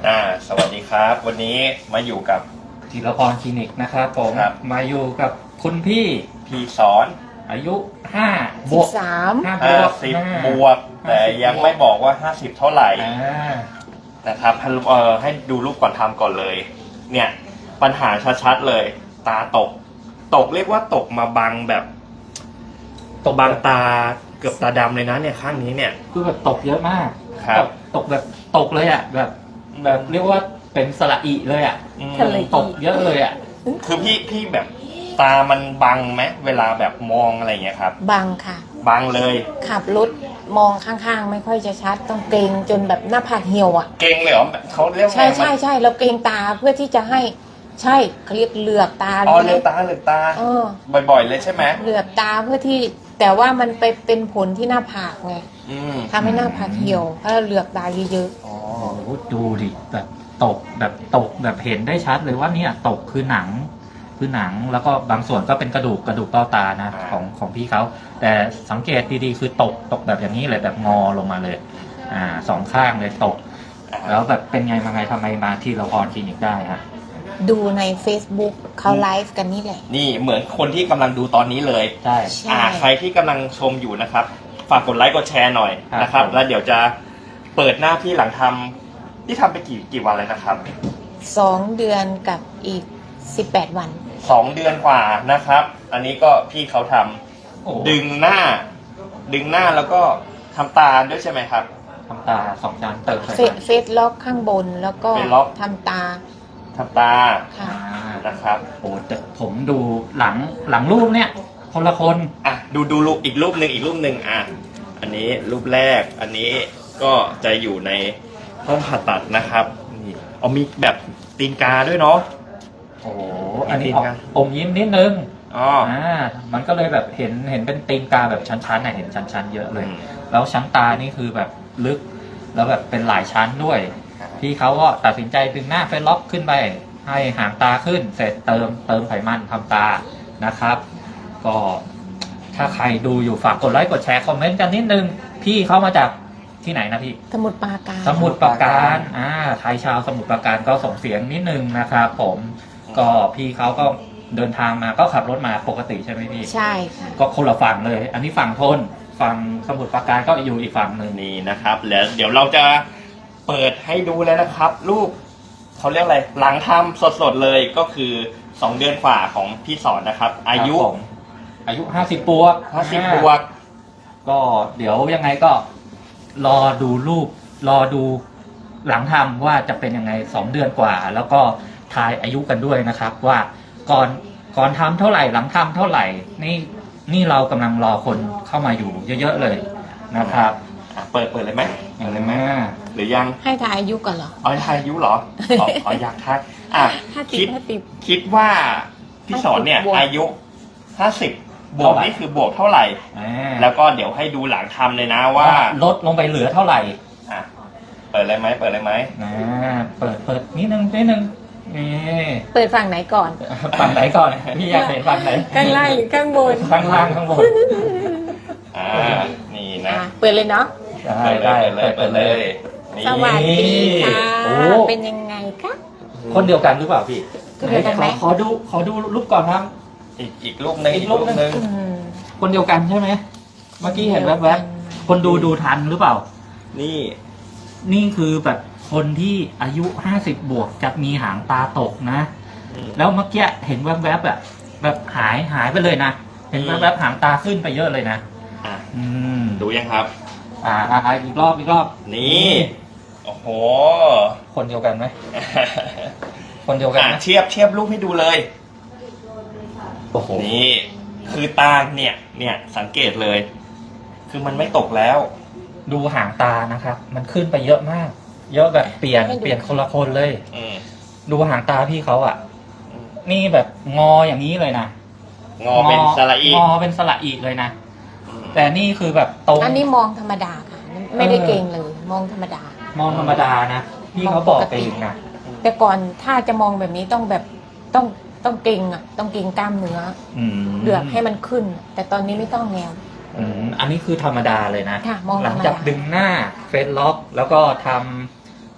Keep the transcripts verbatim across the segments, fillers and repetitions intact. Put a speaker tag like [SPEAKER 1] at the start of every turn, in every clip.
[SPEAKER 1] อ่าสวัสดีครับวันนี้มาอยู่กับ
[SPEAKER 2] ธีรพรคลินิกนะครับผม
[SPEAKER 1] ครับ
[SPEAKER 2] มาอยู่กับคุณพี่
[SPEAKER 1] พี่สอน
[SPEAKER 2] อายุห้าบ
[SPEAKER 3] สิ
[SPEAKER 2] ว
[SPEAKER 3] บ
[SPEAKER 2] ก
[SPEAKER 3] สาม
[SPEAKER 2] ห้าบ
[SPEAKER 1] ห้าว
[SPEAKER 2] ก
[SPEAKER 1] สิบ
[SPEAKER 2] ห้า
[SPEAKER 1] บวก แต่ยังไม่บอกว่าห้าสิบเท่าไหร่
[SPEAKER 2] อ่า
[SPEAKER 1] นะครับเอ่อให้ดูรูปก่อนทำก่อนเลย เนี่ยปัญหาชัดๆเลย ตาตก ตกเรียกว่าตกมาบังแบบตกบังตาเกือบตาดำเลยนะเนี่ยข้างนี้เนี่ย
[SPEAKER 2] คือแบบตกเยอะมาก
[SPEAKER 1] ครับ
[SPEAKER 2] ตกแบบตกเลยอ่ะแบบแบบเรียกว่าเป็นสระอีเลยอ่ะ
[SPEAKER 1] อืม
[SPEAKER 3] ทะเล
[SPEAKER 2] ตกเยอะเลยอ่ะ
[SPEAKER 1] คือพี่พี่แบบตามันบังไหมเวลาแบบมองอะไรอย่างเงี้ยครับ
[SPEAKER 3] บังค่ะ
[SPEAKER 1] บังเลย
[SPEAKER 3] ขับรถมองข้างๆ ไม่ค่อยจะชัด ต้องเกรงจนแบบหน้าผากเหี่ยวอ่ะ
[SPEAKER 1] เก่งเลยเหรอเขาเรียกว่า
[SPEAKER 3] ใช่
[SPEAKER 1] ไง
[SPEAKER 3] ใช่ใช่เราเกรงตาเพื่อที่จะให้ใช่เขาเรียกเหลือบตา
[SPEAKER 1] อ๋อ
[SPEAKER 3] รู้ไหม
[SPEAKER 1] เลือกตาเลือกตา
[SPEAKER 3] เออ
[SPEAKER 1] บ่อยๆเลยใช่ไหม
[SPEAKER 3] เหลือบตาเพื่อที่แต่ว่ามันไปเป็นผลที่หน้าผากไง
[SPEAKER 1] อืม
[SPEAKER 3] ทำให้หน้าผากเหี่ยวถ้าเราเหลือบตาเยอะ
[SPEAKER 1] อ๋อ
[SPEAKER 2] โอ้โหดูดิแบบตกแบบตกแบบเห็นได้ชัดเลยว่าเนี่ยตกคือหนังคือหนังแล้วก็บางส่วนก็เป็นกระดูกกระดูกเบ้าตานะของของพี่เขาแต่สังเกตดีๆคือตกตกแบบอย่างนี้เลยแบบงอลงมาเลยอ่าสองข้างเลยตก แล้วแบบเป็นไงมาไงทำไมมาที่เราพรคลินิกได้ฮะ
[SPEAKER 3] ๆ ดูใน Facebook เขาไลฟ์กันนี่แหละ
[SPEAKER 1] นี่เหมือนคนที่กำลังดูตอนนี้เลย
[SPEAKER 2] ใช่
[SPEAKER 3] ใช่
[SPEAKER 1] อ่าใครที่กำลังชมอยู่นะครับ ฝากกดไลค์กดแชร์หน่อย
[SPEAKER 2] ครับ
[SPEAKER 1] นะครับ
[SPEAKER 2] ผม
[SPEAKER 1] แล้วเดี๋ยวจะเปิดหน้าพี่หลังทำที่ทำไปกี่กี่วันเลยนะครับ
[SPEAKER 3] สองเดือนกับอีกสิบแปดวัน
[SPEAKER 1] สองเดือนกว่านะครับ อันนี้ก็พี่เขาทำ
[SPEAKER 2] โอ้
[SPEAKER 1] ดึงหน้า ดึงหน้าแล้วก็ทำตาด้วยใช่ไหมครับ
[SPEAKER 2] ทำตาสองชั้นเติมไข
[SPEAKER 3] เฟ
[SPEAKER 2] มัน
[SPEAKER 3] เฟซล็อกข้างบนแล้วก็
[SPEAKER 1] เฟซล็อก
[SPEAKER 3] ทำตา
[SPEAKER 1] ทำตา
[SPEAKER 3] ค่ะ
[SPEAKER 2] อ่า
[SPEAKER 1] นะครับ
[SPEAKER 2] โอ้แต่ผมดูหลังหลังรูปเนี่ยคนละคน
[SPEAKER 1] อ่ะดูดูรูปอีกรูปหนึ่งอีกรูปหนึ่งอ่ะอันนี้รูปแรกอันนี้ก็จะอยู่ในห้องผ่าตัดนะครับนี่เอามีแบบตีนกาด้วยเนาะ
[SPEAKER 2] โอ้โหอันนี้
[SPEAKER 1] จริง
[SPEAKER 2] ออก
[SPEAKER 1] ครับ
[SPEAKER 2] อมยิ้มนิดนึง
[SPEAKER 1] อ๋อ
[SPEAKER 2] อ่ามันก็เลยแบบเห็นเห็นเป็นตีนกาแบบชั้นๆน่ะเห็นชั้นๆเยอะเลย
[SPEAKER 1] อืม
[SPEAKER 2] แล้วชั้นตานี่คือแบบลึกแล้วแบบเป็นหลายชั้นด้วย พี่เขาก็ตัดสินใจดึงหน้าเฟซล็อกขึ้นไป ให้หางตาขึ้น เสร็จเติมเติมไขมันทำตานะครับ ก็ถ้าใครดูอยู่ฝากกดไลค์กดแชร์คอมเมนต์กันนิดนึง พี่เขามาจากที่ไหนนะพี่
[SPEAKER 3] สมุดปราการ
[SPEAKER 2] สมุทรปราการอ่าไทยชาวสมุทรปราการก็ส่งเสียงนิดนึงนะครับผม ก็พี่เขาก็เดินทางมาก็ขับรถมาปกติใช่ไหมพี่
[SPEAKER 3] ใช่ค่ะ
[SPEAKER 2] ก็คนละฝั่งเลย อันนี้ฝั่งทน ฝั่งสมุทรปราการก็อยู่อีกฝั่งหนึ่ง
[SPEAKER 1] นี่นะครับแล้วเดี๋ยวเราจะเปิดให้ดูแล้วนะครับ รูปเขาเรียกอะไรหลังทำสดๆเลยก็คือสองเดือนกว่าของพี่สอนนะครับ อายุ
[SPEAKER 2] ครับผมอายุห้าสิบบวก
[SPEAKER 1] ห้าสิบบวก
[SPEAKER 2] ก็เดี๋ยวยังไงก็รอดูรูป รอดูหลังทำว่าจะเป็นยังไงสองเดือนกว่า แล้วก็ทายอายุกันด้วยนะครับ ว่าก่อนก่อนทำเท่าไหร่หลังทำเท่าไหร่ นี่นี่เรากำลังรอคนเข้ามาอยู่เยอะๆเลยนะครับ
[SPEAKER 1] อ่ะเปิดเปิดเลยไหมเปิดเลยไหม
[SPEAKER 2] อ่า
[SPEAKER 1] หรือยัง
[SPEAKER 3] ให้ทายอายุก่อนเหรอ
[SPEAKER 1] อ๋อทายอายุเหรออ๋ออ๋ออยากทายอ่ะ
[SPEAKER 3] ห้าสิบ
[SPEAKER 1] คิด
[SPEAKER 3] ห้าสิบ
[SPEAKER 1] คิดว่าพี่สอนเนี่ย
[SPEAKER 3] บวก
[SPEAKER 1] อายุห้าสิบบวกนี่คือบวกเท่าไหร่
[SPEAKER 2] อ่า
[SPEAKER 1] แล้วก็เดี๋ยวให้ดูหลังทำเลยนะว่า
[SPEAKER 2] ลดลงไปเหลือเท่าไหร่
[SPEAKER 1] อ่ะเปิดเลยไหมเปิดเลยไหม
[SPEAKER 2] อ่าเปิดเปิดนิดนึงนิดนึงนี่
[SPEAKER 3] เปิดฝั่งไหนก่อน
[SPEAKER 2] ฝั่งไหนก่อนพี่อยากเห็นฝั่งไหน
[SPEAKER 3] ข้างล่างหรือข้างบน
[SPEAKER 2] ข้างล่างข้างบน
[SPEAKER 1] อ่านี่นะ
[SPEAKER 3] อ่ะเปิดเลยเนาะ
[SPEAKER 2] ได้ได้
[SPEAKER 1] เปิดเลยเปิดเลยนี่
[SPEAKER 3] สวัสดีค่ะ
[SPEAKER 2] โอ้
[SPEAKER 3] เป็นยังไงคะ
[SPEAKER 2] คนเดียวกันหรือเปล่าพี่
[SPEAKER 3] คนเดียวกันไหม
[SPEAKER 2] ขอขอดูขอดูรูปก่อนครับ
[SPEAKER 1] อีกอีกรูปหนึ่ง
[SPEAKER 2] อี
[SPEAKER 1] อี
[SPEAKER 2] ก
[SPEAKER 1] ก
[SPEAKER 2] รู
[SPEAKER 1] รู
[SPEAKER 2] ป
[SPEAKER 1] ป
[SPEAKER 2] หนึ่ง
[SPEAKER 1] หนึ่ง
[SPEAKER 3] อืม
[SPEAKER 2] คนเดียวกันใช่ไหมเมื่อกี้เห็นแวบๆคนดูดูทันหรือเปล่า
[SPEAKER 1] นี่
[SPEAKER 2] นี่คือแบบคนที่อายุห้าสิบบวกจะมีหางตาตกนะ
[SPEAKER 1] อืม
[SPEAKER 2] แล้วเมื่อกี้เห็นแวบๆแบบแบบหายหายไปเลยนะ เห็น
[SPEAKER 1] อืม
[SPEAKER 2] แวบๆหางตาขึ้นไปเยอะเลยนะ
[SPEAKER 1] อ่ะ
[SPEAKER 2] อืม
[SPEAKER 1] ดูยังครับ
[SPEAKER 2] อ่าอ่าอ่าอีกรอบอีกรอบ
[SPEAKER 1] นี่โอ้โห
[SPEAKER 2] คนเดียวกันไหมคนเดียวกัน
[SPEAKER 1] อ่ะ
[SPEAKER 2] ไหม
[SPEAKER 1] เทียบเทียบรูปให้ดูเลย
[SPEAKER 2] โอ้โห
[SPEAKER 1] นี่คือตาเนี่ยเนี่ยสังเกตเลย คือมันไม่ตกแล้ว
[SPEAKER 2] ดูหางตานะครับ มันขึ้นไปเยอะมาก เยอะแบบเปลี่ยนเปลี่ยนคนละคนเลย
[SPEAKER 1] อืม
[SPEAKER 2] ดูหางตาพี่เขาอ่ะ นี่แบบงออย่างนี้เลยนะ
[SPEAKER 1] งอเป็นสระอี
[SPEAKER 2] งอเป็นสระอีเลยนะ แต่นี่คือแบบตรง
[SPEAKER 3] อันนี้มองธรรมดาค่ะ ไม่ได้เก่งเลย มองธรรมดา
[SPEAKER 2] มองธรรมดานะพี่เขาบอกเองนะ
[SPEAKER 3] แต่ก่อนถ้าจะมองแบบนี้ต้องแบบต้องต้องเก่งอ่ะ ต้องเก่งกล้ามเนื้อ
[SPEAKER 2] อืม
[SPEAKER 3] เลือกให้มันขึ้น แต่ตอนนี้ไม่ต้องแนว
[SPEAKER 2] อืมอันนี้คือธรรมดาเลยนะ
[SPEAKER 3] ค่ะมองธรรมดา
[SPEAKER 2] หลังจากดึงหน้าเฟซล็อก แล้วก็ทำ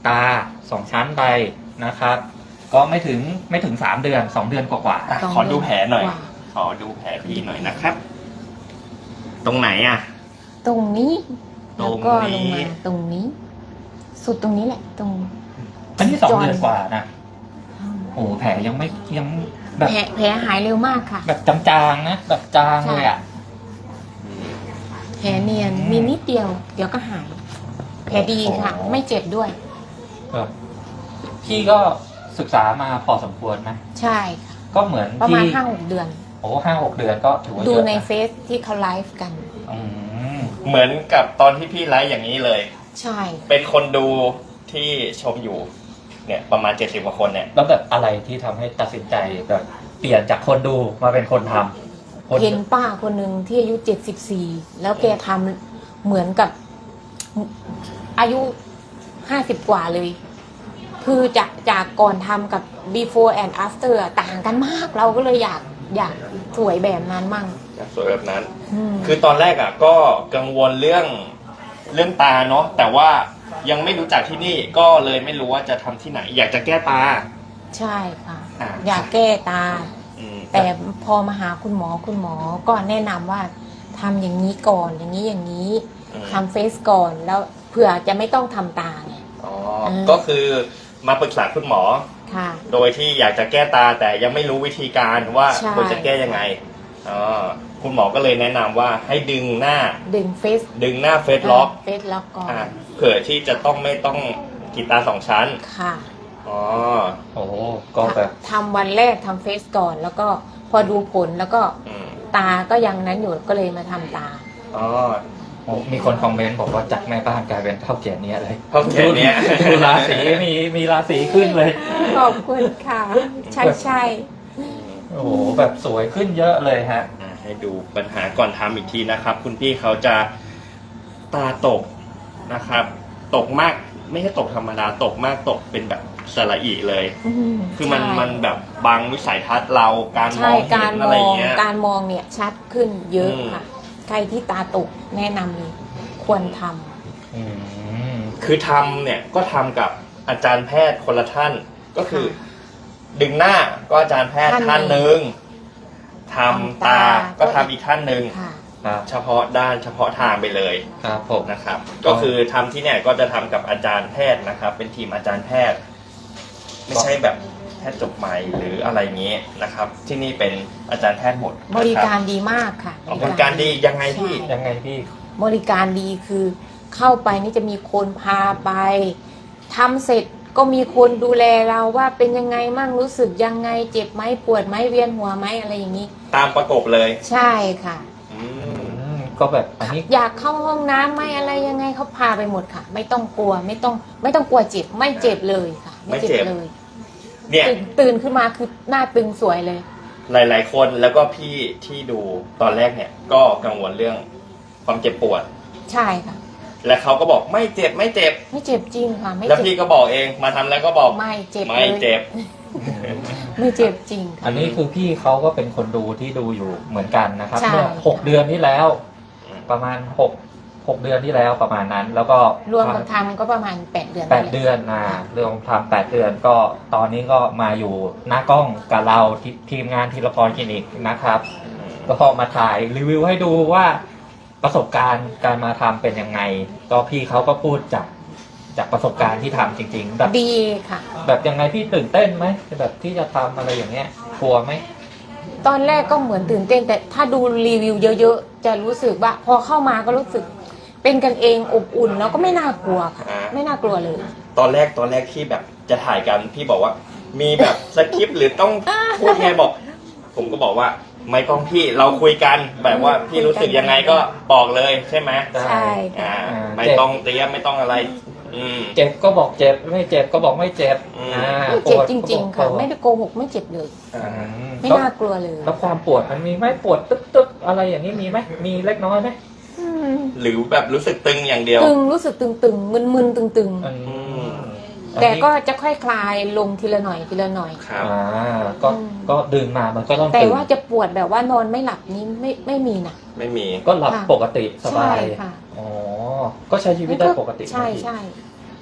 [SPEAKER 2] ตาสองชั้นไปนะครับ ก็ไม่ถึงไม่ถึงสามเดือนสองเดือนกว่า
[SPEAKER 1] อ่ะ
[SPEAKER 3] สอง
[SPEAKER 1] ขอดูแผลหน่อย
[SPEAKER 3] กว่า
[SPEAKER 1] ขอดูแผลพี่หน่อยนะครับ ตรงไหนอ่ะ
[SPEAKER 3] ตรงนี้
[SPEAKER 1] ตรงนี้
[SPEAKER 3] แล้วก็ลงมาตรงนี้ สุดตรงนี้แหละ ตรง
[SPEAKER 2] ๆอันนี้สอง
[SPEAKER 3] จอน
[SPEAKER 2] เดือนกว่านะโอ้แผลยังไม่ยังแบบ
[SPEAKER 3] แผลแผลหายเร็วมากค่ะ
[SPEAKER 2] แบบจางๆนะแบบจางเลยอ่ะ
[SPEAKER 3] แผลเนียนมีนิดเดียว เดี๋ยวก็หาย แผลดีค่ะ
[SPEAKER 2] โอ้
[SPEAKER 3] ไม่เจ็บด้วย
[SPEAKER 2] ครับพี่ก็ศึกษามาพอสมควรไหม
[SPEAKER 3] ใช่ค่ะ
[SPEAKER 2] ก็เหมือน
[SPEAKER 3] ประมาณ
[SPEAKER 2] ที่
[SPEAKER 3] ห้าหกเดือน
[SPEAKER 2] โอ้ห้าหกเดือนก็ถือว่า
[SPEAKER 3] ดู
[SPEAKER 2] เยอะ
[SPEAKER 3] ใน
[SPEAKER 2] นะ
[SPEAKER 3] เฟซที่เขาไลฟ์กัน
[SPEAKER 2] อืม
[SPEAKER 1] เหมือนกับตอนที่พี่ไลฟ์อย่างนี้เลย
[SPEAKER 3] ใช่
[SPEAKER 1] เป็นคนดูที่ชมอยู่ เนี่ยประมาณเจ็ดสิบกว่าคนเนี่ย
[SPEAKER 2] แล้วแบบอะไรที่ทำให้ตัดสินใจแบบเปลี่ยนจากคนดูมาเป็นคนทำคน
[SPEAKER 3] เห็นป้าคนหนึ่งที่อายุเจ็ดสิบสี่แล้วแกทำเหมือนกับอายุห้าสิบกว่าเลย คือจากจากก่อนทำกับ before and after อะต่างกันมาก เราก็เลยอยากอยากสวยแบบนั้นมั่ง
[SPEAKER 1] อยากสวยแบบนั้น
[SPEAKER 3] อืม
[SPEAKER 1] คือตอนแรกอ่ะก็กังวลเรื่องเรื่องตาเนาะ แต่ว่ายังไม่รู้จักที่นี่ ก็เลยไม่รู้ว่าจะทำที่ไหน อยากจะแก้ตา
[SPEAKER 3] ใช่ค่ะ
[SPEAKER 1] อ่า
[SPEAKER 3] อยากแก้ตา
[SPEAKER 1] อืม
[SPEAKER 3] แต่พอมาหาคุณหมอคุณหมอก็แนะนำว่าทำอย่างนี้ก่อนอย่างนี้อย่างนี้
[SPEAKER 1] อืม
[SPEAKER 3] ทำเฟซก่อนแล้วเผื่อจะไม่ต้องทำตาไง
[SPEAKER 1] อ๋อ
[SPEAKER 3] อืม
[SPEAKER 1] ก็คือมาปรึกษาคุณหมอ
[SPEAKER 3] ค่ะ
[SPEAKER 1] โดยที่อยากจะแก้ตาแต่ยังไม่รู้วิธีการว่า
[SPEAKER 3] ใช่
[SPEAKER 1] ควรจะแก้ยังไงอ๋อคุณหมอก็เลยแนะนำว่าให้ดึงหน้า
[SPEAKER 3] ดึงเฟซ
[SPEAKER 1] ดึงหน้าเฟซล็อก
[SPEAKER 3] เฟซล็อกก่อน
[SPEAKER 1] อ่าเผื่อที่จะต้องไม่ต้องกรีดตาสองชั้น
[SPEAKER 3] ค่ะ
[SPEAKER 1] อ๋อ
[SPEAKER 2] โอ้ก็แบบ
[SPEAKER 3] ทำวันแรกทำเฟซก่อน แล้วก็พอดูผลแล้วก็
[SPEAKER 1] อืม
[SPEAKER 3] ตาก็ยังนั้นอยู่ก็เลยมาทำตา
[SPEAKER 1] อ๋อ
[SPEAKER 2] โอ้มีคนคอมเมนต์บอกว่าจากแม่บ้านกลายเป็นเท่าแก่เนี้ยเลย
[SPEAKER 1] เท่าแก่เนี้ย
[SPEAKER 2] ดูดูราศีมีมีราศีขึ้นเลย
[SPEAKER 3] ขอบคุณค่ะ ใช่ใช่
[SPEAKER 2] โอ้โหแบบสวยขึ้นเยอะเลยฮะ
[SPEAKER 1] อ่าให้ดูปัญหาก่อนทำอีกทีนะครับ คุณพี่เขาจะตาตกนะครับ ตกมากไม่ใช่ตกธรรมดาตกมากตกเป็นแบบสระอีเลย
[SPEAKER 3] อืม
[SPEAKER 1] คือมัน
[SPEAKER 3] ใช่
[SPEAKER 1] มันแบบบังวิสัยทัศน์เราการม
[SPEAKER 3] ใช่
[SPEAKER 1] อง
[SPEAKER 3] กา
[SPEAKER 1] เห็
[SPEAKER 3] ร
[SPEAKER 1] น
[SPEAKER 3] ม
[SPEAKER 1] อะไร
[SPEAKER 3] อง
[SPEAKER 1] เงี้ย
[SPEAKER 3] การมองเนี่ยชัดขึ้นเยอะ
[SPEAKER 1] อืม
[SPEAKER 3] ค่ะ ใครที่ตาตกแนะนำเลยควรทำ
[SPEAKER 2] อืม
[SPEAKER 1] คือทำเนี่ยก็ทำกับอาจารย์แพทย์คนละท่าน ก็คือ ดึงหน้าก็อาจารย์แพทย์
[SPEAKER 3] ท่าน
[SPEAKER 1] ท่านหนึ่งทำ
[SPEAKER 3] ทำ
[SPEAKER 1] ตา
[SPEAKER 3] ตา
[SPEAKER 1] ก็ทำอีกท่านหนึ่ง
[SPEAKER 3] ค่ะ
[SPEAKER 2] ครับ
[SPEAKER 1] เฉพาะด้านเฉพาะทางไปเลย
[SPEAKER 2] ครับผม
[SPEAKER 1] นะครับ ก็คือทำที่เนี่ยก็จะทำกับอาจารย์แพทย์นะครับ เป็นทีมอาจารย์แพทย์ ไม่ใช่แบบแพทย์จบใหม่หรืออะไรเงี้ยนะครับ ที่นี่เป็นอาจารย์แพทย์หมดนะค
[SPEAKER 3] บริการดีมากค่ะ
[SPEAKER 1] อ๋อบริการดียังไงพี่
[SPEAKER 3] ใช่
[SPEAKER 2] ยังไงพี่
[SPEAKER 3] บริการดีคือเข้าไปนี่จะมีคนพาไปทำเสร็จก็มีคนดูแลเราว่าเป็นยังไงมั่งรู้สึกยังไงเจ็บไหมปวดไหมเวียนหัวไหมอะไรอย่างนี้
[SPEAKER 1] ตามประกบเลย
[SPEAKER 3] ใช่ค่ะ
[SPEAKER 1] อื
[SPEAKER 2] อื
[SPEAKER 1] ม
[SPEAKER 2] มก็แบบอันนี้
[SPEAKER 3] อยากเข้าห้องน้ำไหมอะไรยังไงเขาพาไปหมดค่ะ ไม่ต้องกลัวไม่ต้องไม่ต้องกลัวเจ็บไม่เจ็บเลยค่ะ
[SPEAKER 1] ไม่เจ็บ
[SPEAKER 3] เลย
[SPEAKER 1] เนี่ย
[SPEAKER 3] ตื่นตื่นขึ้นมาคือหน้าตึงสวยเลย
[SPEAKER 1] หลาย ๆ คนแล้วก็พี่ที่ดูตอนแรกเนี่ย ก็กังวลเรื่องความเจ็บปวด
[SPEAKER 3] ใช่ค่ะ
[SPEAKER 1] และเขาก็บอกไม่เจ็บไม่เจ็บ
[SPEAKER 3] ไม่เจ็บจริงค่ะ ไม่
[SPEAKER 1] แล้ว
[SPEAKER 3] เจ็
[SPEAKER 1] พี่
[SPEAKER 3] บ
[SPEAKER 1] ก็บอกเองมาทำแล้วก็บอก
[SPEAKER 3] ไม่เจ็บ
[SPEAKER 1] ไม่
[SPEAKER 3] เลย
[SPEAKER 1] เจ็บ
[SPEAKER 3] ไม่เจ็บจริงค่ะ
[SPEAKER 2] อันนี้คือพี่เขาก็เป็นคนดูที่ดูอยู่เหมือนกันนะครับ
[SPEAKER 3] ใช่
[SPEAKER 2] เมื่อหกเดือนที่แล้ว ประมาณหกหกเดือนที่แล้วประมาณนั้น แล้วก็
[SPEAKER 3] รวมกับทำก็ประมาณแปดเดือน
[SPEAKER 2] แปด
[SPEAKER 3] นั่นหละ
[SPEAKER 2] เดือนนะเรื่องทำแปดเดือนก็ตอนนี้ก็มาอยู่หน้ากล้องกับเราททีมงานทีละพรคลินิกนะครับ ก็พอมาถ่ายรีวิวให้ดูว่าประสบการณ์การมาทำเป็นยังไง ก็พี่เขาก็พูดจากจากประสบการณ์ที่ทำจริงๆแบบ
[SPEAKER 3] ดีค่ะ
[SPEAKER 2] แบบยังไงพี่ตื่นเต้นไหมแบบที่จะทำอะไรอย่างเงี้ยกลัวไหม
[SPEAKER 3] ตอนแรกก็เหมือนตื่นเต้น แต่ถ้าดูรีวิวเยอะๆ จะรู้สึกว่า พอเข้ามาก็รู้สึก เป็นกันเองอบอุ่นแล้วก็ไม่น่ากลัวค่ะ
[SPEAKER 1] อ่า
[SPEAKER 3] ไม่น่ากลัวเลย
[SPEAKER 1] ตอนแรกตอนแรกที่แบบจะถ่ายกันพี่บอกว่า มีแบบสคริปต์หรือต้องพูดไงบอก ผมก็บอกว่าไม่ต้องพี่เราคุยกันแบบว่าพี่รู้สึกยังไงก็บอกเลยใช่ไหม
[SPEAKER 3] ใช่ค่ะ
[SPEAKER 1] อ่าไม่ต้องเตรียมไม่ต้องอะไร อืม
[SPEAKER 2] เจ็บก็บอกเจ็บไม่เจ็บก็บอกไม่เจ็บ
[SPEAKER 1] อืม
[SPEAKER 2] อ่า
[SPEAKER 3] ไม่เจ็บ
[SPEAKER 2] ปวด
[SPEAKER 3] จริง ๆ ค่ะ
[SPEAKER 2] ก็บอก
[SPEAKER 3] ไม่ได้โกหกไม่เจ็บเลย
[SPEAKER 2] อืม
[SPEAKER 3] ไม่
[SPEAKER 2] แล้ว
[SPEAKER 3] น่ากลัวเลย
[SPEAKER 2] แล้วความปวดมันมีไหมปวดตึ๊บตึ๊บอะไรอย่างนี้มีไหมมีเล็กน้อยไหม
[SPEAKER 3] อืม
[SPEAKER 1] หรือแบบรู้สึกตึงอย่างเดียว
[SPEAKER 3] ตึงรู้สึกตึงๆมึนๆตึง
[SPEAKER 2] อืม
[SPEAKER 3] ๆ แต่ก็จะค่อยคลายลงทีละหน่อยทีละหน่อย
[SPEAKER 1] ครับ
[SPEAKER 2] อ่าก็
[SPEAKER 3] อืม
[SPEAKER 2] ก็ดึงมามันก็ต้อง
[SPEAKER 3] แต่
[SPEAKER 2] ตึง
[SPEAKER 3] ว่าจะปวดแบบว่านอนไม่หลับนี้ไม่ไม่มีนะ
[SPEAKER 1] ไม่มี
[SPEAKER 2] ก็หลับ
[SPEAKER 3] ค่ะ
[SPEAKER 2] ปกติสบาย
[SPEAKER 3] ใช่ค่ะ
[SPEAKER 2] อ๋อก็ใช้ชีวิตได้ปกติ
[SPEAKER 3] ใช่
[SPEAKER 2] นะพี่
[SPEAKER 3] ใช่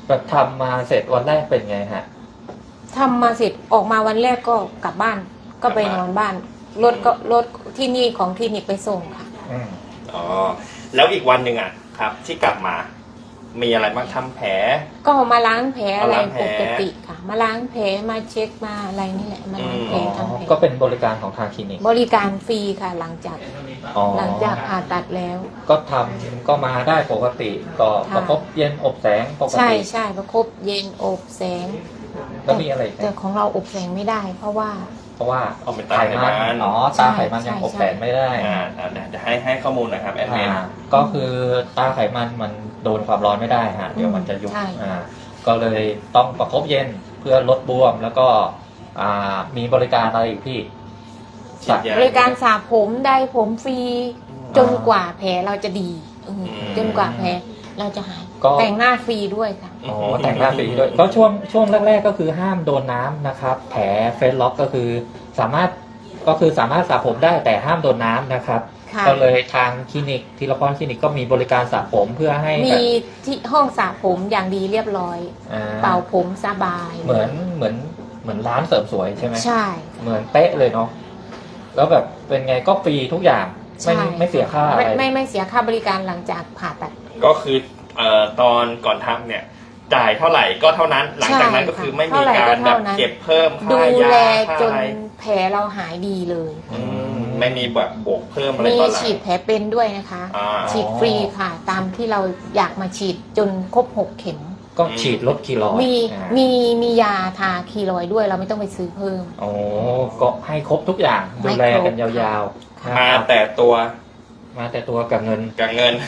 [SPEAKER 2] แบบทำมาเสร็จวันแรกเป็นไงฮะ
[SPEAKER 3] ทำมาเสร็จออกมาวันแรกก็กลับบ้านก็ไปนอนบ้านรถก็รถที่นี่ของคลินิกไปส่งค่ะ
[SPEAKER 2] อืม
[SPEAKER 1] อ๋อแล้วอีกวันหนึ่งอ่ะครับ ที่กลับมา มีอะไรบ้างทำแผล
[SPEAKER 3] ก็มาล้างแผลอะไร
[SPEAKER 1] มาล้างแผล
[SPEAKER 3] ปกติค่ะ มาล้างแผลมาเช็คมาอะไรนี่แหละมาล้างแผล
[SPEAKER 1] อืม
[SPEAKER 3] ทำแผล
[SPEAKER 2] ก็เป็นบริการของทางคลินิก
[SPEAKER 3] บริการฟรีค่ะ หลังจาก
[SPEAKER 2] อ๋อ
[SPEAKER 3] หลังจากผ่าตัดแล้ว
[SPEAKER 2] ก็ทำก็มาได้ปกติ ก็
[SPEAKER 3] ค่ะ
[SPEAKER 2] ประคบเย็นอบแสงปก
[SPEAKER 3] ใช่
[SPEAKER 2] ติ
[SPEAKER 3] ใช่ประคบเย็นอบแสง
[SPEAKER 2] แล้วมีอะไรอีก
[SPEAKER 3] แต่
[SPEAKER 2] ไหม
[SPEAKER 3] ของเราอบแสงไม่ได้ เพราะว่า
[SPEAKER 2] เพราะว่า
[SPEAKER 1] เอาเป็นตาไขมัน
[SPEAKER 2] อ๋อตาไขมันยังอบแสงไม่ได้
[SPEAKER 1] อ่าอ่าเดี๋ยวเดี๋ยวให้ให้ข้อมูลหนะครับแอดมิน
[SPEAKER 2] อ่าก็คือตาไขมันมันโดนความร้อนไม่ได้ฮะเดี๋ยวมันจะยุบ
[SPEAKER 3] ใช่
[SPEAKER 2] อ่าก็เลยต้องประคบเย็นเพื่อลดบวมแล้วก็อ่ามีบริการอะไรอีกพี่
[SPEAKER 1] ฉีดยา
[SPEAKER 3] บริการสระผมได้ผมฟรี
[SPEAKER 1] อืม
[SPEAKER 3] จนกว่าแผลเราจะดีอืม
[SPEAKER 1] อืม
[SPEAKER 3] จนกว่าแผลเราจะหาย
[SPEAKER 2] ก็
[SPEAKER 3] แต่งหน้าฟรีด้วยค่ะ
[SPEAKER 2] อ๋อแต่งหน้าฟรีด้วยก็ช่วงช่วงแรกๆก็คือห้ามโดนน้ำนะครับ แผลเฟซล็อกก็คือสามารถก็คือสามารถสระผมได้แต่ห้ามโดนน้ำนะครับ
[SPEAKER 3] ค่ะ
[SPEAKER 2] ก็เลยทางคลินิกทีละพรคลินิกก็มีบริการสระผมเพื่อให้แบ
[SPEAKER 3] มี
[SPEAKER 2] บ
[SPEAKER 3] ที่ห้องสระผมอย่างดีเรียบร้อย
[SPEAKER 2] อ่า
[SPEAKER 3] เป่าผมสบาย
[SPEAKER 2] เหมือนเหมือนเหมือนร้านเสริมสวยใช่ไหม
[SPEAKER 3] ใช่
[SPEAKER 2] เหมือนเป๊ะเลยเนาะแล้วแบบเป็นไงก็ฟรีทุกอย่างไม่
[SPEAKER 3] ใช่
[SPEAKER 2] ไม่เสียค่าอะไร
[SPEAKER 3] ไม่ไม่ไม่เสียค่าบริการหลังจากผ่าตัด
[SPEAKER 1] ก็คือเอ่อตอนก่อนทำเนี่ย จ่ายเท่าไหร่ก็เท่านั้น หลังจากนั้นก็คือไม่มี
[SPEAKER 3] เท่าไหร่
[SPEAKER 1] กา
[SPEAKER 3] ก็
[SPEAKER 1] รแบ
[SPEAKER 3] เท่า
[SPEAKER 1] บ
[SPEAKER 3] นั้น
[SPEAKER 1] เก็บเพิ่ม
[SPEAKER 3] ดู
[SPEAKER 1] ค่ายา
[SPEAKER 3] แล
[SPEAKER 1] ค่า
[SPEAKER 3] จน
[SPEAKER 1] อะไร
[SPEAKER 3] แผลเราหายดีเลย
[SPEAKER 1] อืมไม่มีแบบบวกเพิ่มอะไร
[SPEAKER 3] มี
[SPEAKER 1] ตอนหลัง
[SPEAKER 3] ฉีดแผลเป็นด้วยนะคะ
[SPEAKER 1] อ่า
[SPEAKER 3] ฉีดฟรีค่ะ ตามที่เราอยากมาฉีดจนครบหกเข็ม
[SPEAKER 2] ก็ฉีดลดคีโล
[SPEAKER 3] มี
[SPEAKER 2] อ่า
[SPEAKER 3] มีมียาทาคีรอยด์ด้วยเราไม่ต้องไปซื้อเพิ่ม
[SPEAKER 2] โอ้ก็ให้ครบทุกอย่างดูแล
[SPEAKER 3] ให้ครบ
[SPEAKER 2] กันยาวๆนะ
[SPEAKER 1] มา
[SPEAKER 2] ครับ
[SPEAKER 1] แต่ตัว
[SPEAKER 2] มาแต่ตัวกับเงิน
[SPEAKER 1] กับเงิน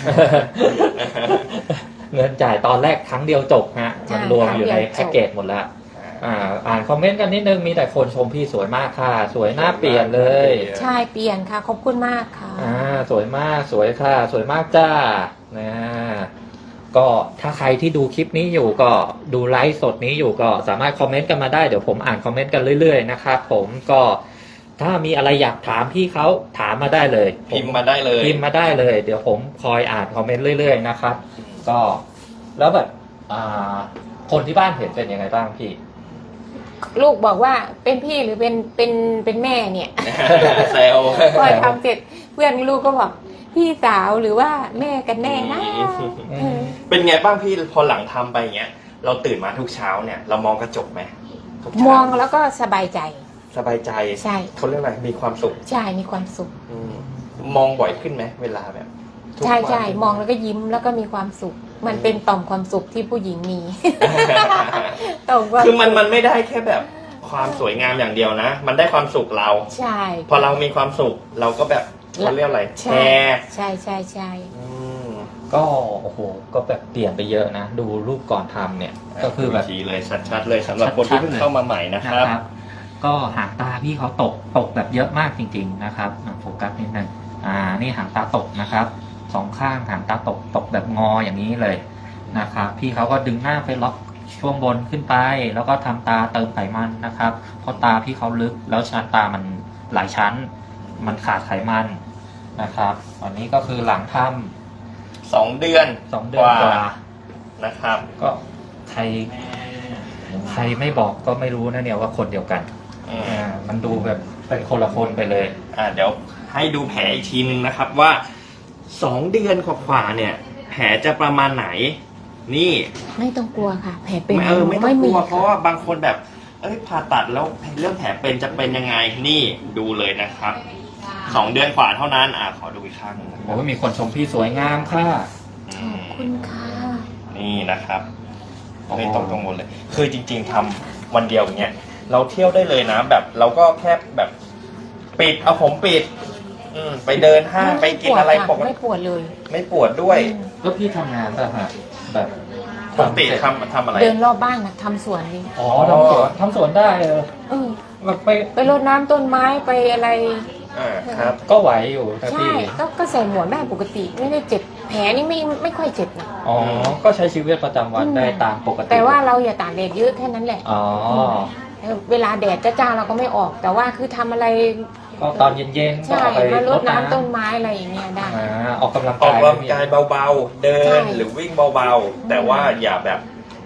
[SPEAKER 2] เงินจ่ายตอนแรกครั้งเดียวจบฮะ
[SPEAKER 3] ใช่
[SPEAKER 2] มันรวมอยู่ใน
[SPEAKER 3] ครั้งเดียวจบ
[SPEAKER 2] แพ็กเกจหมดแล้วอ่าอ่านคอมเมนต์กันนิดนึงมีแต่คนชมพี่สวยมากค่ะ สวยหน้าเปลี่ยนเลย
[SPEAKER 3] ใช่เปลี่ยนค่ะ ขอบคุณมากค่ะ
[SPEAKER 2] อ่าสวยมากสวยค่ะ สวยมากจ้านะก็ถ้าใครที่ดูคลิปนี้อยู่ก็ดูไลฟ์สดนี้อยู่ก็สามารถคอมเมนต์กันมาได้เดี๋ยวผมอ่านคอมเมนต์กันเรื่อยๆนะครับผมก็ถ้ามีอะไรอยากถามพี่เขาถามมาได้เลย
[SPEAKER 1] พิมพ์มาได้เลย
[SPEAKER 2] พิมพ์มาได้เลย เดี๋ยวผมคอยอ่านคอมเมนต์เรื่อยๆนะครับ ก็แล้วแบบอ่าคนที่บ้านเห็นเป็นยังไงบ้างพี่
[SPEAKER 3] ลูกบอกว่าเป็นพี่หรือเป็นเป็นเป็นแม่เนี่ย
[SPEAKER 1] เซล
[SPEAKER 3] พอทำเสร็จเพื่อนลูกก็บอกพี่สาวหรือว่าแม่กันแน่นะเออ
[SPEAKER 1] เป็นไงบ้างพี่พอหลังทำไปอย่างเงี้ย เราตื่นมาทุกเช้าเนี่ย เรามองกระจกไหมทุกเช้าม
[SPEAKER 3] องแล้วก็สบายใจ
[SPEAKER 1] สบายใจ
[SPEAKER 3] ใช่
[SPEAKER 1] เขาเรียกอะไรมีความสุข
[SPEAKER 3] ใช่มีความสุข
[SPEAKER 1] อืมมองบ่อยขึ้นไหมเวลาแบบทุก
[SPEAKER 3] ใช่
[SPEAKER 1] วัน
[SPEAKER 3] ใช่มองแล้วก็ยิ้มแล้วก็มีความสุข มันเป็นต่อมความสุขที่ผู้หญิงมี ต่อมความ
[SPEAKER 1] คือมันมันไม่ได้แค่แบบความสวยงามอย่างเดียวนะ มันได้ความสุขเรา
[SPEAKER 3] ใช่
[SPEAKER 1] พอเรามีความสุขเราก็แบบเขาเรียกอะไรแช
[SPEAKER 3] ใช่
[SPEAKER 1] ร์
[SPEAKER 3] ใช่ใช่ใช่
[SPEAKER 1] อืม
[SPEAKER 2] ก็โอ้โหก็แบบเปลี่ยนไปเยอะนะ ดูรูปก่อนทำเนี่ย ก็คือแบบ
[SPEAKER 1] ชี้เลยชัดๆเลยสำหรับคนที่เพิ่งเข้ามาใหม่นะครับ
[SPEAKER 2] ก็หางตาพี่เขาตกตกแบบเยอะมากจริง ๆนะครับอ่ะโฟกัสนิดนึงอ่านี่หางตาตกนะครับสองข้างหางตาตกตกแบบงออย่างนี้เลยนะครับพี่เขาก็ดึงหน้าไปล็อกช่วงบนขึ้นไป แล้วก็ทำตาเติมไขมันนะครับเพราะตาพี่เขาลึกแล้วชั้นตามันหลายชั้น มันขาดไขมันนะครับอันนี้ก็คือหลังทำ
[SPEAKER 1] สองเดือน
[SPEAKER 2] สองเดือนกว่า
[SPEAKER 1] นะครับ
[SPEAKER 2] ก็ใครใครไม่บอกก็ไม่รู้นะเนี่ยว่าคนเดียวกัน
[SPEAKER 1] อืม
[SPEAKER 2] อ่ามันดูแบบเป็นคนละคนไปเลย
[SPEAKER 1] อ่าเดี๋ยวให้ดูแผลอีกทีนึงนะครับว่าสองเดือนกว่าๆเนี่ย แผลจะประมาณไหน นี่
[SPEAKER 3] ไม่ต้องกลัวค่ะ แผลเป็น
[SPEAKER 1] ไม่เออไม่ต้องกลัว
[SPEAKER 3] ค่ะ
[SPEAKER 1] เพราะว่าบางคนแบบเอ้ยผ่าตัดแล้วเรื่องแผลเป็นจะเป็นยังไงนี่ดูเลยนะครับสองเดือนกว่าเท่านั้นอ่าขอดูอีกครั้งหนึ่งนะค
[SPEAKER 2] โอ้
[SPEAKER 1] รับ
[SPEAKER 2] ยมีคนชมพี่สวยงามค่ะ
[SPEAKER 1] อื
[SPEAKER 3] ขอบ
[SPEAKER 1] ม
[SPEAKER 3] คุณค่ะ
[SPEAKER 1] นี่นะครับไม่ตรงตรงหมดเลย คือจริง ๆทำวันเดียวอย่างเงี้ยเราเที่ยวได้เลยนะ แบบเราก็แค่แบบปิดเอาผมปิด อืมไปเดินห้างไปกินอะไรปก
[SPEAKER 3] ไม่
[SPEAKER 1] ติ
[SPEAKER 3] ปวดเลย
[SPEAKER 1] ไม่ปวดด้วย
[SPEAKER 3] อืม
[SPEAKER 2] แล้วพี่ทำงานป่ะฮะแบบ
[SPEAKER 1] ปกติทำทำอะไร
[SPEAKER 3] เดินรอบบ้านนะทำสวนนี่
[SPEAKER 2] อ๋อทำสวนทำสวนได้เออ
[SPEAKER 3] เออ
[SPEAKER 2] แบบไป
[SPEAKER 3] ไปรดน้ำต้นไม้ไปอะไร
[SPEAKER 1] อ่าครับ
[SPEAKER 2] ก็ไหวอยู่นะ
[SPEAKER 3] ใช่
[SPEAKER 2] พี่
[SPEAKER 3] ก็ก็ใส่หมวกได้ปกติไม่ได้เจ็บแผลนี่ไม่ไม่ค่อยเจ็บนะ
[SPEAKER 2] อ๋อก็ใช้ชีวิตประจำวันได้ตามปกติ
[SPEAKER 3] แต่ว่าเราอย่าตากแดดเยอะแค่นั้นแหละ
[SPEAKER 2] อ๋อ
[SPEAKER 3] เออเวลาแดดจ้าๆเราก็ไม่ออก แต่ว่าคือทำอะไร
[SPEAKER 2] ก็ตอนเย็นๆก็
[SPEAKER 3] ใช่
[SPEAKER 2] ออกไป
[SPEAKER 3] มาร
[SPEAKER 2] ร
[SPEAKER 3] ด
[SPEAKER 2] ด
[SPEAKER 3] น้ำ
[SPEAKER 2] น้ำ
[SPEAKER 3] ต้นไม้อะไรอย่างเงี้ยได้
[SPEAKER 2] อ่าออกกำลัง
[SPEAKER 1] ออก
[SPEAKER 2] กาย
[SPEAKER 1] กำลังกายเบาๆ เดิ
[SPEAKER 3] ใช่
[SPEAKER 1] นหรือวิ่งเบาๆ แต่ว่าอย่าแบบ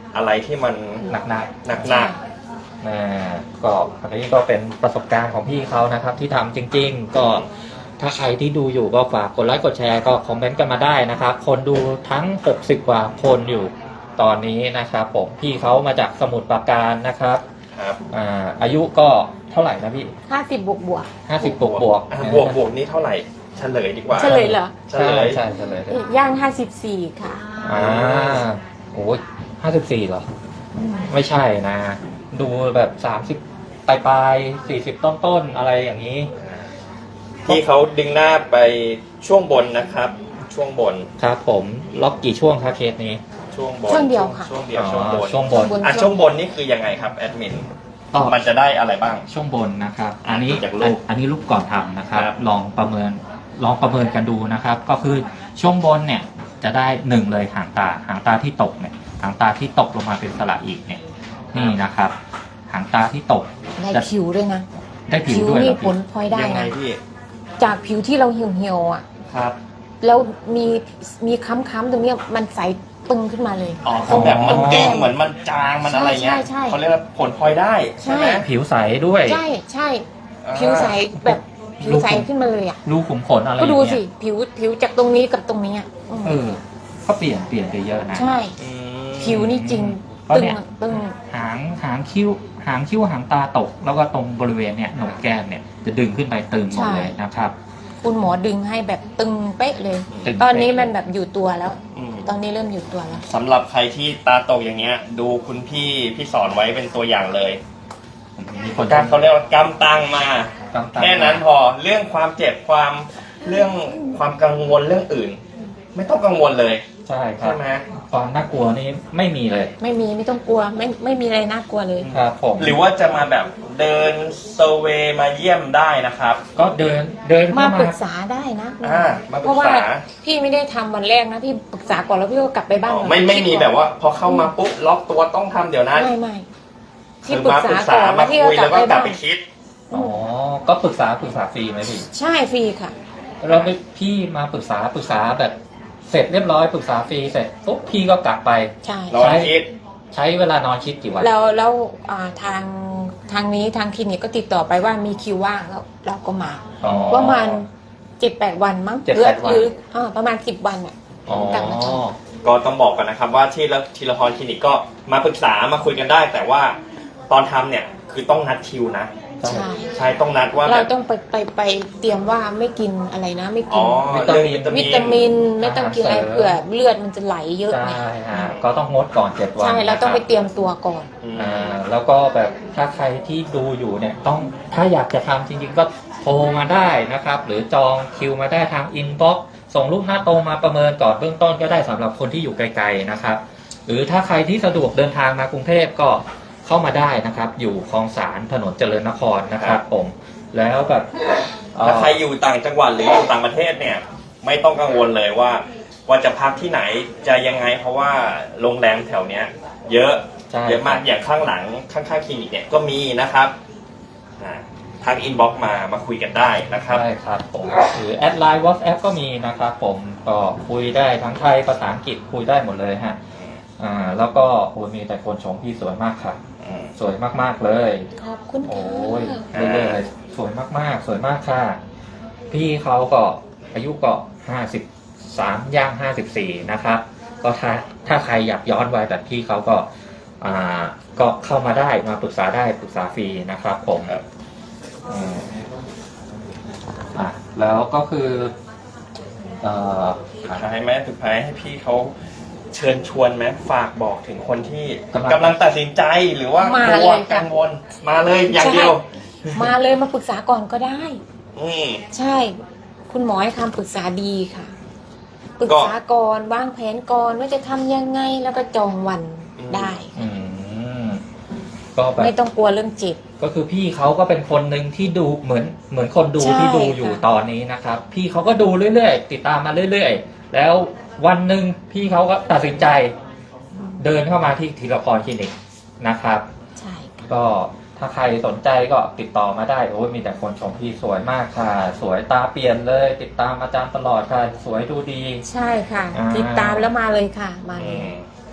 [SPEAKER 1] อะไรที่มัน
[SPEAKER 2] หนัก
[SPEAKER 1] หนักหนัก
[SPEAKER 2] ๆอ่าก็อันนี้ก็เป็นประสบการณ์ของพี่เขานะครับ ที่ทำจริง ๆ ก็ถ้าใครที่ดูอยู่ก็ฝากกดไลค์กดแชร์ก็คอมเมนต์กันมาได้นะครับ คนดูทั้งหกสิบกว่าคนอยู่ตอนนี้นะครับผมพี่เขามาจากสมุทรปราการนะครับ
[SPEAKER 1] ครับ
[SPEAKER 2] อ่าอายุก็เท่าไหร่นะพี่
[SPEAKER 3] ห้าสิบบวกบวก
[SPEAKER 2] ห้าสิบบวกบวก
[SPEAKER 1] อ่ะบวกบวกนี่เท่าไหร่เฉลยดีกว่า
[SPEAKER 3] เฉลยเหรอ
[SPEAKER 1] เฉ
[SPEAKER 2] ใช่
[SPEAKER 1] ลย
[SPEAKER 2] ใช่ใช่เลย
[SPEAKER 3] ย่างห้าสิบสี่ค่ะ
[SPEAKER 2] อ่าโอ้ยห้าสิบสี่เหรอ ไม่ใช่นะ ดูแบบสามสิบปลายปลายสี่สิบต้นต้นๆอะไรอย่างนี้
[SPEAKER 1] ที่เขาดึงหน้าไปช่วงบนนะครับ ช่วงบน
[SPEAKER 2] ครับผมล็อกกี่ช่วงครับเคสนี้
[SPEAKER 1] ช่วงบน
[SPEAKER 3] ช่วงเดียวค่ะ
[SPEAKER 1] ช่วงเดียวช่วงบน
[SPEAKER 2] ช่วงบน
[SPEAKER 3] บน
[SPEAKER 1] อ่ะช่วงบนนี่คือยังไงครับแอดมิน
[SPEAKER 2] ก็
[SPEAKER 1] มันจะได้อะไรบ้าง
[SPEAKER 2] ช่วงบนนะครับ อันนี้
[SPEAKER 1] จากรูป
[SPEAKER 2] อันนี้รูปก่อนทำนะครับ
[SPEAKER 1] ครับ
[SPEAKER 2] ลองประเมินลองประเมินกันดูนะครับ ก็คือช่วงบนเนี่ยจะได้หนึ่งเลยหางตาหางตาที่ตกเนี่ยหางตาที่ตกลงมาเป็นสระอีกเนี่ยนี่นะครับหางตาที่ตก
[SPEAKER 3] ได้
[SPEAKER 2] จะ
[SPEAKER 3] ผิวด้วยนะ
[SPEAKER 2] ได้ผิว
[SPEAKER 3] ผิว
[SPEAKER 2] ด้วยเหร
[SPEAKER 3] นี่
[SPEAKER 2] อ
[SPEAKER 3] ผ
[SPEAKER 2] พี่
[SPEAKER 3] ลพลอยได้
[SPEAKER 1] ยังไง
[SPEAKER 3] นะ
[SPEAKER 1] พี่
[SPEAKER 3] จากผิวที่เราเหี่ยวเหี่ยวๆอ่ะ
[SPEAKER 1] ครับ
[SPEAKER 3] แล้วมีมีค้ำๆตรงเนี้ยมันใสปึงขึ้นมาเลย
[SPEAKER 1] อ๋อเขาแบบมันเด้งเหมือนมันจางมันอะไรเงี้ย
[SPEAKER 3] ใช่ใช่ใช่
[SPEAKER 1] เขาเรียกว่าผลพลอยได้ใช่ไหม
[SPEAKER 3] ใช่
[SPEAKER 2] ผิวใสด้วย
[SPEAKER 3] ใช่ใช่
[SPEAKER 1] อ่า
[SPEAKER 3] ผิวใสแบบผิวใสขึ้นมาเลยอ่ะ
[SPEAKER 2] รูขุมขนอะไรอ
[SPEAKER 3] ก็
[SPEAKER 2] ย่าง
[SPEAKER 3] ดู
[SPEAKER 2] เงี้ย
[SPEAKER 3] สิผิวผิวจากตรงนี้กับตรงนี้อ่ะอืม
[SPEAKER 2] เออก็เปลี่ยนเปลี่ยนไปเยอะนะ
[SPEAKER 3] ใช่
[SPEAKER 1] อืม
[SPEAKER 3] ผิวนี่จริง
[SPEAKER 2] เพราะ
[SPEAKER 3] ตึง
[SPEAKER 2] เนี่ย
[SPEAKER 3] อะตึง
[SPEAKER 2] หางหางคิ้วหางคิ้วหางตาตก แล้วก็ตรงบริเวณเนี่ยโหนกแก้มเนี่ยจะดึงขึ้นไปตึงหมดเลยนะครับ
[SPEAKER 3] คุณหมอดึงให้แบบตึงเป๊ะเลย
[SPEAKER 2] ตึง
[SPEAKER 3] ตอนนี้
[SPEAKER 2] เป๊ะ
[SPEAKER 3] มันแบบอยู่ตัวแล้ว
[SPEAKER 1] อืม
[SPEAKER 3] ตอนนี้เริ่มอยู่ตัวแล้ว
[SPEAKER 1] สำหรับใครที่ตาตกอย่างเงี้ย ดูคุณพี่พี่สอนไว้เป็นตัวอย่างเลย
[SPEAKER 2] มีคน
[SPEAKER 1] การเขาเรียกว่ากำตังมา
[SPEAKER 2] กำตัง
[SPEAKER 1] แค่นั้นพอเรื่องความเจ็บความเรื่องความกังวลเรื่องอื่น ไม่ต้องกังวลเลย
[SPEAKER 2] ใช่ครั
[SPEAKER 1] ใช่
[SPEAKER 2] บ
[SPEAKER 1] ไหม
[SPEAKER 2] ความน่ากลัวนี่ไม่มีเลย
[SPEAKER 3] ไม่มีไม่ต้องกลัวไม่ไม่มีอะไรน่ากลัวเลย
[SPEAKER 2] ครับผม
[SPEAKER 1] หรือว่าจะมาแบบเดินเซอร์เวย์มาเยี่ยมได้นะครับ
[SPEAKER 2] ก็เดินเดิน
[SPEAKER 3] มา
[SPEAKER 2] เข้า
[SPEAKER 3] ปรึ
[SPEAKER 2] มา
[SPEAKER 3] กษาได้นะ
[SPEAKER 1] อ่ามาปรึกษา
[SPEAKER 3] เพราะว่าพี่ไม่ได้ทำวันแรกนะพี่ปรึกษาก่อนแล้วพี่ก็กลับไปบ้าน
[SPEAKER 1] อ๋อไม่ไม่มีแบบว่า พอเข้ามาปุ๊บล็อกตัวต้องทำเดี๋ยวนั้น
[SPEAKER 3] ไม่ไม่
[SPEAKER 1] คื
[SPEAKER 3] พี่
[SPEAKER 1] อ
[SPEAKER 3] ปรึ
[SPEAKER 1] มาก ปรึ
[SPEAKER 3] ษาก ก่
[SPEAKER 1] ษา
[SPEAKER 3] อน
[SPEAKER 1] มา
[SPEAKER 3] แล้วพี่
[SPEAKER 1] คุย
[SPEAKER 3] ก็กลั
[SPEAKER 1] แล้
[SPEAKER 3] บ
[SPEAKER 1] วก็
[SPEAKER 3] ไป
[SPEAKER 1] กลับ
[SPEAKER 3] บ้าน
[SPEAKER 1] ไปคิด
[SPEAKER 2] อ๋อก็ปรึกษาปรึกษาฟรีไหมพี่
[SPEAKER 3] ใช่ฟรีค่ะ
[SPEAKER 2] เราไปพี่มาปรึกษาปรึกษาแบบเสร็จเรียบร้อยปรึกษาฟรีเสร็จปุ๊บพี่ก็กลับไป
[SPEAKER 3] ใช่
[SPEAKER 1] รอคิด
[SPEAKER 2] ใช้เวลานอนคิดกี่วัน
[SPEAKER 3] แล้วแล้วอ่าทางทางนี้ทางคลินิกก็ติดต่อไปว่ามีคิวว่างแล้วเราก็มา
[SPEAKER 2] อ๋อ
[SPEAKER 3] ประมาณเจ็ดแปดวันมั้ง
[SPEAKER 2] เจ็ด
[SPEAKER 3] หรือ
[SPEAKER 2] แปดวัน
[SPEAKER 3] หรืออ่าประมาณสิบวันอ่ะ
[SPEAKER 2] อ๋อ
[SPEAKER 3] กลับมาท
[SPEAKER 1] ก็ต้องบอกก่อนนะครับว่าที่ละทีละพรคลินิกก็มาปรึกษามาคุยกันได้ แต่ว่าตอนทำเนี่ยคือต้องนัดคิวนะ
[SPEAKER 3] ใช่
[SPEAKER 1] ใช่ต้องนัดว่าแบ
[SPEAKER 3] เรา
[SPEAKER 1] บ
[SPEAKER 3] ต้องไปไปไปเตรียมว่าไม่กินอะไรนะ ไม่
[SPEAKER 1] อ๋
[SPEAKER 3] กิ
[SPEAKER 1] อน เรื่องวิตามิ
[SPEAKER 3] วิ
[SPEAKER 1] น
[SPEAKER 3] ตามินไม่ต้องกินอะไรเผื่อเลือดมันจะไหลเยอะ
[SPEAKER 2] ใช่
[SPEAKER 3] ไง
[SPEAKER 2] ฮะก็ต้องงดก่อนเจ็ดวัน
[SPEAKER 3] ใช่เราต้องไป
[SPEAKER 2] นะครับ
[SPEAKER 3] เตรียมตัวก่อน
[SPEAKER 1] อืม
[SPEAKER 2] อ่าแล้วก็แบบถ้าใครที่ดูอยู่เนี่ยต้องถ้าอยากจะทำจริงๆก็โทรมาได้นะครับ หรือจองคิวมาได้ทางอินบ็อกซ์ส่งรูปหน้าตรงมาประเมินก่อนเบื้องต้นก็ได้สำหรับคนที่อยู่ไกลๆนะครับ หรือถ้าใครที่สะดวกเดินทางมากรุงเทพก็เข้ามาได้นะครับ อยู่คลองสารถนนเจริญนครนะครับผมแล้วแบบเอ่อ
[SPEAKER 1] ถ้าใครอยู่ต่างจังหวัดหรืออยู่ต่างประเทศเนี่ย ไม่ต้องกังวลเลยว่า ว่าจะพักที่ไหนจะยังไง เพราะว่าโรงแรมแถวเนี้ย เยอะ
[SPEAKER 2] ใช่
[SPEAKER 1] เยอะมากอย่างข้างหลังข้างๆคลินิกเนี่ยก็มีนะครับอ่าทักอินบ็อกซ์มามาคุยกันได้นะครับ
[SPEAKER 2] ใช่ครับผมหรือแอดไลน์ WhatsApp ก็มีนะครับผมก็คุยได้ทั้งไทยภาษาอังกฤษคุยได้หมดเลยฮะอ่าแล้วก็โอ้ยมีแต่คนชมพี่สวยมากค่ะ
[SPEAKER 1] อืม
[SPEAKER 2] สวยมากๆเลย
[SPEAKER 3] ขอบคุณ
[SPEAKER 2] โอ้
[SPEAKER 3] ค่ะ
[SPEAKER 2] ยเรื่อยๆเลยสวยมากๆ สวยมากค่ะ พี่เขาก็อายุก็ห้าสิบสามย่างห้าสิบสี่นะครับ ก็ถ้าถ้าใครอยากย้อนวัยแบบพี่เขาก็อ่าก็เข้ามาได้มาปรึกษาได้ปรึกษาฟรีนะครับผม
[SPEAKER 1] ครับ
[SPEAKER 2] อืมอ่ะแล้วก็คือเอ่อ
[SPEAKER 1] สุดท้ายไหมสุดท้ายให้พี่เขาเชิญชวนไหมฝากบอกถึงคนที่
[SPEAKER 2] กำลัง
[SPEAKER 1] กำลังตัดสินใจหรือว่ากลัวกังวลมาเลยอย่างเดียว
[SPEAKER 3] มาเลยมาปรึกษาก่อนก็ได้
[SPEAKER 1] อืม
[SPEAKER 3] ใช่ คุณหมอให้คำปรึกษาดีค่ะ ปรึก
[SPEAKER 1] ก็
[SPEAKER 3] ษาก่อนวางแผนก่อนว่าจะทำยังไงแล้วก็จองวัน
[SPEAKER 1] อืม
[SPEAKER 3] ได้
[SPEAKER 2] อืมก็แบบ
[SPEAKER 3] ไม่ต้องกลัวเรื่องเจ็บ
[SPEAKER 2] ก็คือพี่เขาก็เป็นคนหนึ่งที่ดูเหมือนเหมือนคนดู
[SPEAKER 3] ใช่
[SPEAKER 2] ที่ดูอยู่
[SPEAKER 3] ค่ะ
[SPEAKER 2] ตอนนี้นะครับ พี่เขาก็ดูเรื่อยๆ ติดตามมาเรื่อยๆ แล้ววันหนึ่งพี่เขาก็ตัดสินใจเดินเข้ามาที่ธีรพรคลินิกนะครับ
[SPEAKER 3] ใช่ค่ะ
[SPEAKER 2] ก็ถ้าใครสนใจก็ติดต่อมาได้โอ้ยมีแต่คนชมพี่สวยมากค่ะ สวยตาเปลี่ยนเลย ติดตามอาจารย์ตลอดค่ะ สวยดูดี
[SPEAKER 3] ใช่ค่ะ
[SPEAKER 2] อ่า
[SPEAKER 3] ติดตามแล้วมาเลยค่ะ มาเล
[SPEAKER 1] อื
[SPEAKER 3] ย
[SPEAKER 1] ม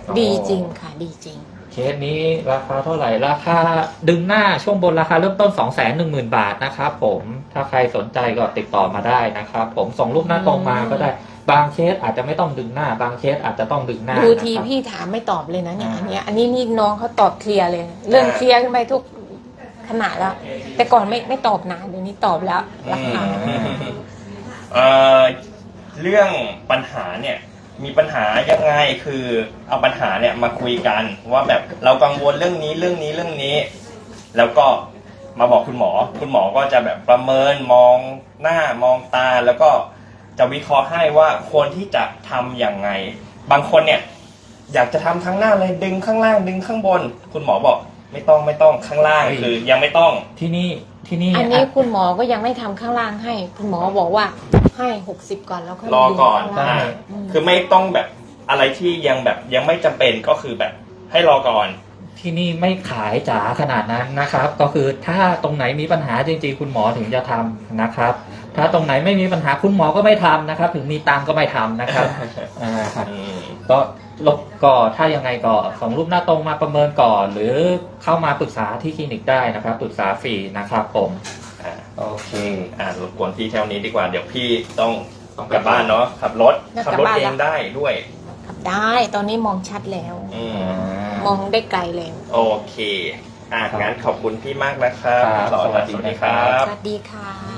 [SPEAKER 3] ดีจริงค่ะ ดีจริง
[SPEAKER 2] เคสนี้ราคาเท่าไหร่ราคาดึงหน้าช่วงบนราคาเริ่มต้น สองแสนหนึ่งหมื่น บาทนะครับผมถ้าใครสนใจก็ติดต่อมาได้นะครับผมส่งรูปหน้าตรงมาก็ได้บางเคสอาจจะไม่ต้องดึงหน้า บางเคสอาจจะต้องดึงหน้า
[SPEAKER 3] ดูที
[SPEAKER 2] นะครับ
[SPEAKER 3] พี่ถามไม่ตอบเลยนะเนี่ย
[SPEAKER 2] อ่า
[SPEAKER 3] อันเนี้ยอันนี้นี่น้องเขาตอบเคลียร์เลย เรื่องเคลียร์ขึ้นไปทุกขนาดแล้ว แต่ก่อนไม่ไม่ตอบนะเดี๋ยวนี้ตอบแล้วราคา
[SPEAKER 1] เอ่อเรื่องปัญหาเนี่ยมีปัญหายังไงคือเอาปัญหาเนี่ยมาคุยกันว่าแบบเรากังวลเรื่องนี้เรื่องนี้เรื่องนี้ แล้วก็มาบอกคุณหมอ คุณหมอก็จะแบบประเมินมองหน้ามองตาแล้วก็จะวิเคราะห์ให้ว่าควรที่จะทำอย่างไง บางคนเนี่ยอยากจะทำทั้งหน้าเลยดึงข้างล่างดึงข้างบน คุณหมอบอกไม่ต้องไม่ต้องข้างล่าง
[SPEAKER 2] เฮ้ย
[SPEAKER 1] คือยังไม่ต้อง
[SPEAKER 2] ที่นี่ที่นี่
[SPEAKER 3] อันนี้คุณหมอก็ยังไม่ทำข้างล่างให้ คุณหมอบอกว่าให้หกสิบก่อนแล้วค่อย
[SPEAKER 1] รอก่อน
[SPEAKER 3] ดึงข้างล่าง
[SPEAKER 1] อ่าคือไม่ต้องแบบอะไรที่ยังแบบยังไม่จำเป็นก็คือแบบให้รอก่อน
[SPEAKER 2] ที่นี่ไม่ขายจ๋าขนาดนั้นนะครับ ก็คือถ้าตรงไหนมีปัญหาจริงๆคุณหมอถึงจะทำนะครับ ถ้าตรงไหนไม่มีปัญหาคุณหมอก็ไม่ทำนะครับ ถึงมีตังค์ก็ไม่ทำนะครับอ่าครับ
[SPEAKER 1] อืม
[SPEAKER 2] ก็ลบก็ถ้ายังไงก็ส่งรูปหน้าตรงมาประเมินก่อน หรือเข้ามาปรึกษาที่คลินิกได้นะครับปรึกษาฟรีนะครับผม
[SPEAKER 1] อ่า
[SPEAKER 2] โอเค
[SPEAKER 1] อ่ารบกวนพี่เท่านี้ดีกว่าเดี๋ยวพี่ต้องต้องกลับบ้านเนาะขับรถขับรถเองได้ด้วย
[SPEAKER 3] ขับได้ตอนนี้มองชัดแล้ว
[SPEAKER 1] อืม
[SPEAKER 3] มองได้ไกลแล้ว
[SPEAKER 1] โอเคอ่ะงั้นขอบคุณพี่มากนะครับ
[SPEAKER 2] ครับ
[SPEAKER 1] สวัสดี
[SPEAKER 2] สวัสดี
[SPEAKER 1] ครั
[SPEAKER 2] ครับ บ
[SPEAKER 3] สวัสดีค่ะ